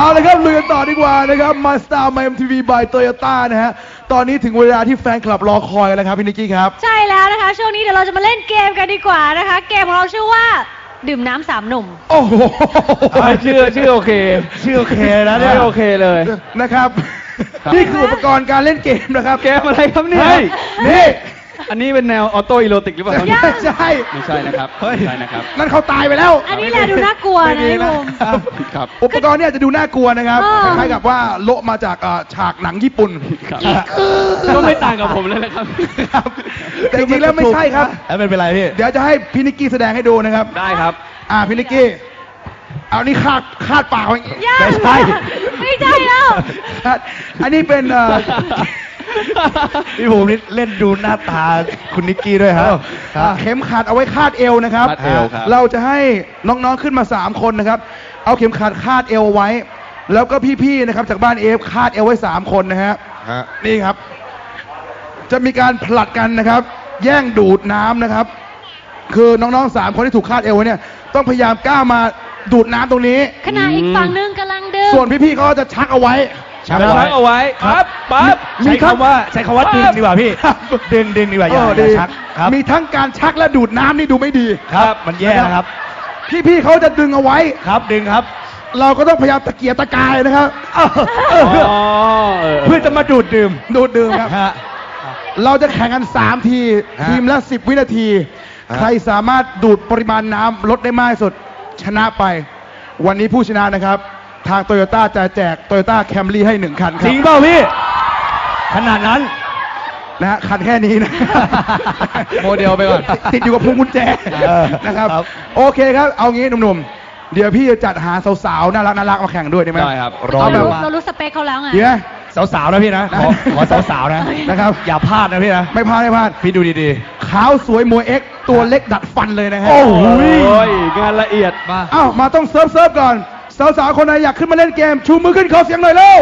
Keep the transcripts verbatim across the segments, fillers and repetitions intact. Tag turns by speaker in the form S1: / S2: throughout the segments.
S1: เลยครับลุยกันต่อดีกว่านะครับมาสตาร์มา เอ็ม ที วี by Toyota นะฮะตอนนี้ถึงเวลาที่แฟนคลับรอคอยแล้วครับพี่นิกกี้ครับ
S2: ใช่แล้วนะคะช่วงนี้เดี๋ยวเราจะมาเล่นเกมกันดีกว่านะคะเกมของเราชื่อว่าดื่มน้ำสามหนุ่ม
S1: โอ้โห
S3: ชื่อชื่อโอเค
S1: ชื่อโอเคนะเนี่ย
S3: โอเคเลย
S1: นะครับนี่คืออุปกรณ์การเล่นเกมนะครับ
S3: เกมอะไรครับเนี่ย
S1: นี่
S3: อันนี้เป็นแนวออโต้อีโรติกหรือเปล่า
S1: ไม่ใช่
S3: ไม่ใช่นะครับไม่ใช่นะครับ
S1: นั่นเขาตายไปแล้ว
S2: อันนี้แหละดูน่ากลัวนะพี่บุ๋ม
S1: ครับอุปกรณ์เนี่ยจะดูน่ากลัวนะครับคล้ายๆกับว่าโละมาจากฉากหนังญี่ปุ่น
S3: ก็ไม่ต่างกับผมเลยนะครับ
S1: แต่จริงๆแล้วไม่ใช่ครับ
S3: แล้วเป็นไรพี่
S1: เดี๋ยวจะให้พี่นิกกี้แสดงให้ดูนะครับ
S3: ได้ครับ
S1: อ่าพี่นิกกี้เอานี่คาดคาดปากไว้
S2: ไม่ใช่ไม่ใช่แล้ว
S1: อันนี้เป็น
S4: พี่ภูมินี่เล่นดูหน้าตาคุณนิกกี้ด้วยครับ
S1: เข็มขัดเอาไว้คาดเอวนะครับเราจะให้น้องๆขึ้นมาสามคนนะครับเอาเข็มขัดคาดเอวไว้แล้วก็พี่ๆนะครับจากบ้านเอฟคาดเอวไว้สามคนนะฮะนี่ครับจะมีการผลัดกันนะครับแย่งดูดน้ำนะครับคือน้องๆสามคนที่ถูกคาดเอวไว้เนี่ยต้องพยายามก้าวมาดูดน้ำตรงนี้
S2: ขณะอีกฝั่งนึงกำลังดึง
S1: ส่วนพี่ๆเขาจะชักเอาไว้
S3: ชักเอาไว้ครับปั๊บ
S4: ใช้คำว่าใช้คำว่าดึงดีกว่าพี่ดึงดึงดีกว่าอย่าชัก
S1: ครับมีทั้งการชักและดูดน้ำนี่ดูไม่ดี
S4: ครับมันแย่นะครับ
S1: พี่ๆเขาจะดึงเอาไว้
S4: ครับดึงครับ
S1: เราก็ต้องพยายามตะเกียกตะกายนะครับ
S4: เพื่อจะมาดูดดื่ม
S1: ดูดดื่มครับเราจะแข่งกันสามทีทีมละสิบวินาทีใครสามารถดูดปริมาณน้ำลดได้มากที่สุดชนะไปวันนี้ผู้ชนะนะครับทางโตโยต้าจะแจกโตโยต้าแคมรี่ให้หนึ่งคันครับ
S4: จริงเปล่าพี่ขนาดนั้น
S1: นะฮะคันแค่นี้นะ
S3: โมเดลไปก่อน
S1: ติดอยู่กับพวงกุญแจนะครับโอเคครับเอางี้หนุ่มๆเดี๋ยวพี่จะจัดหาสาวๆน่ารักน่ารักมาแข่งด้วยได้ไหม
S3: ได้ครับ
S2: เราเรารู้สเปคเขาแล้วไง
S1: เดี๋ยว
S4: สาวๆนะพี่นะขอสาวๆนะ
S1: นะครับ
S4: อย่าพลาดนะพี่นะ
S1: ไม่พลาดไม่พลาด
S4: พี่ดูดี
S1: ๆขาวสวยมวยเอ็กตัวเล็กดัดฟันเลยนะฮะ
S3: โอ้ยงานละเอียด
S1: มาอ้าวมาต้องเซิร์ฟเซิร์ฟก่อนสาวๆคนไหนอยากขึ้นมาเล่นเกมชูมือขึ้นขอเสียงหน่อยเร็ว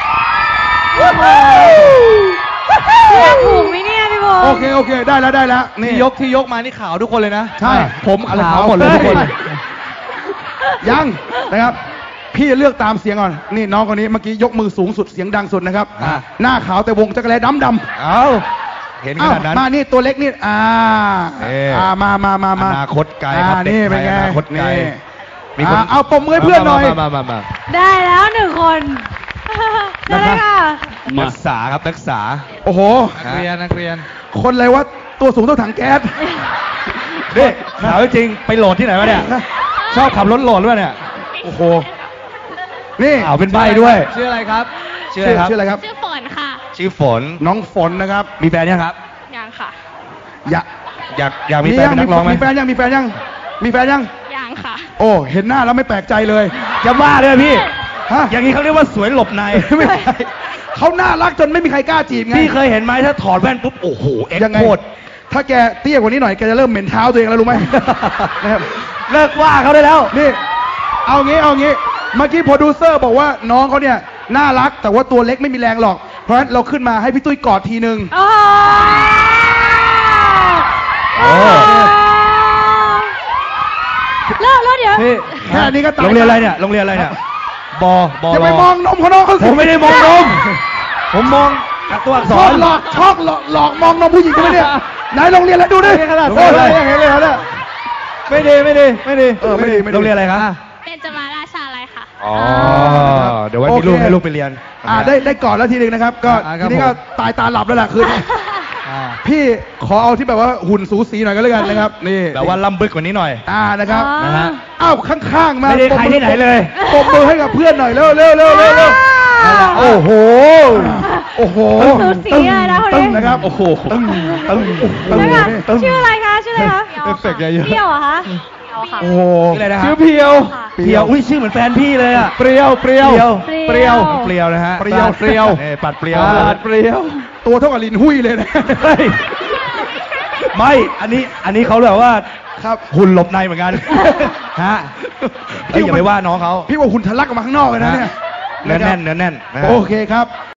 S2: ถูกไหมเนี่ยพี่โบ
S1: โอเคโอเคได้แล้วได้แล้ว
S4: นี่ยกที่ยกมานี่ขาวทุกคนเลยนะ
S1: ใช่
S4: ผมขาวหมดเลยทุกคน
S1: ยังนะครับพี่จะเลือกตามเสียงก่อนนี่น้องคนนี้เมื่อกี้ยกมือสูงสุดเสียงดังสุดนะครับหน้าขาวแต่วงจักรแลดำดำ
S4: เอาเห็นขนาดนั้น
S1: มานี่ตัวเล็กนี่อ่าอ่ามามามามา
S4: อนาคตไกลครับ
S1: นี่เป็นไง
S4: อนาคตไกล
S1: มีคนเอาปมมือเพื่อนหน่อย
S4: มามามา
S2: ได้แล้วหนึ่งคนได้ค่ะ
S4: นักศึกษาครับนักศึกษา
S1: โอ้โห
S4: นักเรียนนักเรียน
S1: คนอะไรวะตัวสูงเท่าถังแก๊ส
S4: เด็กถามจริงไปโหลดที่ไหนวะเนี่ยชอบขับรถโหลดหรือเปล่าเนี่ย
S1: โอ้โหนี่
S4: เอาเป็นใบด้วย
S3: ชื่ออะไรครับ
S1: ชื่อชื่ออะไรครับ
S2: ชื่อฝนค่ะ
S4: ชื่อฝน
S1: น้องฝนนะครับ
S4: มีแฟนยังครับ
S2: ยังค่ะ
S1: อยาก
S4: อยากอยากมีแฟนนักร้องไหม
S1: มีแฟนยังมีแฟนยังมีแฟนยัง
S2: ยังค่ะ
S1: โอ้เห็นหน้าแล้วไม่แปลกใจเลย
S4: อย่าว่าเลยพี่
S1: ฮะ
S4: อย่างนี้เขาเรียกว่าสวยหลบใน
S1: ไม่ใช่เขาน่ารักจนไม่มีใครกล้าจีบไง
S4: พี่เคยเห็นไหมถ้าถอดแว่นปุ๊บโอ้โหเอ็กโคตร
S1: ถ้าแกเตี้ยกว่านี้หน่อยแกจะเริ่มเหม็นเท้าตัวเองแล้วรู้ไหม
S4: นะครับเลิกว่าเขาได้แล้ว
S1: นี่เอางี้เอางี้เมื่อกี้โปรดิวเซอร์บอกว่าน้องเขาเนี่ยน่ารักแต่ว่าตัวเล็กไม่มีแรงหรอกเพราะฉะนั้นเราขึ้นมาให้พี่ตุ้ยกอดทีนึง
S2: แล้วแล้วเดี๋ยว
S1: แค่นี้ก็ตาย
S4: โรงเรียนอะไรเนี่ยโรงเรียนอะไรเนี่ยบอบอ
S1: อย่าไปมองนมเขาน้องเขา
S4: ผมไม่ได้มองนมผมมองตัวอักษร
S1: หลอกชอกหลอกหลอกมองนมผู้หญิงใช่ไหมเนี่ยไหนโรงเรียนแล้วดูดิ
S4: ขนาดโอ้ยเห็นเลยเนี่ยไม่ดีไม่ดีไม่ดี
S1: เออไม่ดี
S4: โรงเรียนอะไรครับ
S2: เป็นจะมาราชาอะไรค่ะ
S4: อ๋อเดี๋ยวไว้มีลูกให้ลูกไปเรียน
S1: อ่าได้ได้ก่อนแล้วทีนึงนะครับก็ทีนี้ก็ตายตาหลับแล้วแหละคืนพี่ขอเอาที่แบบว่าหุ่นสูสีหน่อยก็แล้วกันนะครับนี่
S4: แบบว่าล่ำบึกกว่านี้หน่อย
S1: อ่านะครับ
S4: นะฮะ
S1: อ้าวข้างๆมา
S4: ไม่ได้ใครที่ไหนเลย
S1: ปมมือให้กับเพื่อนหน่อยเร็วเร็วเร็วเร็วเร็ว
S4: โอ้โห
S1: โอ้โห
S2: สูสีอะไรนะคนนี้
S1: นะครับโอ้โหตึ้งตึ้ง
S2: ตึ้งชื่ออะไรคะชื่ออะไรคะ
S4: เอฟเฟกต์เยอะ
S2: เพียวเหรอคะ
S1: โอ้โห
S4: ชื่อเพียวเพียวอุ้ยชื่อเหมือนแฟนพี่เลยอ่ะ
S1: เปรี้ยวเปรี้ยว
S4: เปรี้ยวเปรี้ยวนะฮะ
S1: เปรี้ยวเปรี้ยว
S4: ปัดเปรี้ยว
S1: ปัดเปรี้ยวตัวเท่ากับลิ้นหุ้ยเลยนะ
S4: ไม่อันนี้อันนี้เขาแบบว่า
S1: ครับ
S4: หุ่นหลบในเหมือนกันฮะอย่าไปว่าน้องเขา
S1: พี่ว่าหุ่นทะลักออกมาข้างนอกเลยนะเนี่ย
S4: เนื้อแน่นเนื้อแน่น
S1: โอเคครับ